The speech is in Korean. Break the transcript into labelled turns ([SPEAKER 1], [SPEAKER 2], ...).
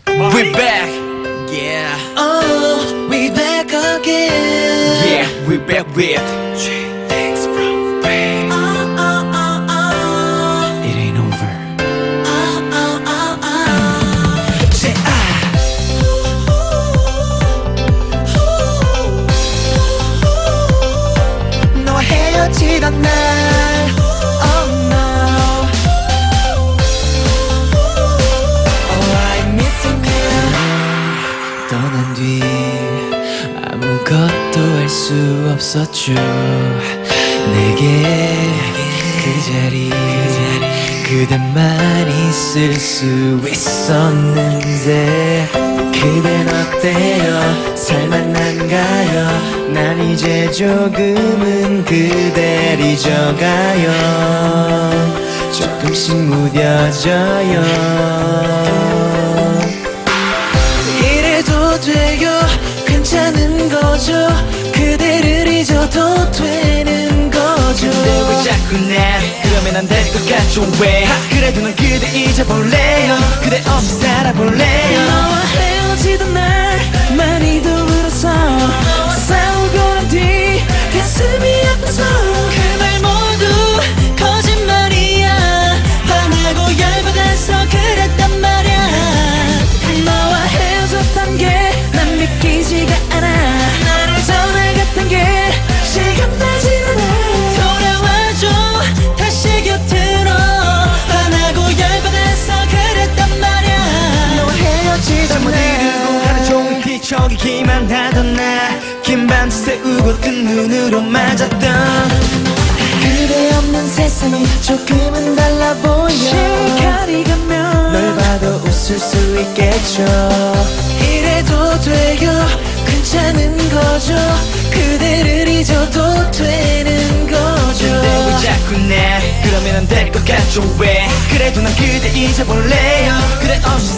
[SPEAKER 1] We back, yeah.
[SPEAKER 2] Oh, we back again.
[SPEAKER 1] Yeah, we back with three things from pain. It ain't over. Say
[SPEAKER 2] 너와 헤어지던 날. Oh no. Oh, I'm missing you.
[SPEAKER 1] 떠난 뒤 아무것도 할 수 없었죠. 내게 그 자리 그대만 있을 수 있었는데 그댄 어때요? 살만한가요? 난 이제 조금은 그댈 잊어가요. 조금씩 무뎌져요.
[SPEAKER 2] 이래도 돼요. 괜찮은 거죠. 그대를 잊어도 되는 거죠.
[SPEAKER 1] 근데 왜 자꾸 날 그러면 안 될 것 같죠 왜 그래도 난 그대 잊어볼래요. 그대 없이 살아볼래요.
[SPEAKER 2] 너와 헤어지던 날 많이도 울었어. 싸우고 난 뒤 가슴이 아파서 그 말 모두 거짓말이야. 화나고 열받아서 그랬단 말이야. 너와 헤어졌단 게 난 믿기지가 않아. 나를 전화 같은 게 실감나질 않아. 돌아와줘 다시 곁으로. 화나고 열받아서 그랬단 말이야. 너와 헤어지던
[SPEAKER 1] 잠못 이루고 하루 종일 뒤척이기만 하던 나 긴 밤 새우고 뜬 눈으로 맞았던
[SPEAKER 2] 그대 없는 세상이 조금은 달라 보여. 시간이 가면
[SPEAKER 1] 널 봐도 웃을 수 있겠죠.
[SPEAKER 2] 이래도 돼요. 괜찮은 거죠. 그대를 잊어도 되는 거죠.
[SPEAKER 1] 근데 왜 자꾸 날 그러면 안 될 것 같죠 왜 그래도 난 그대 잊어볼래요. 그대 없이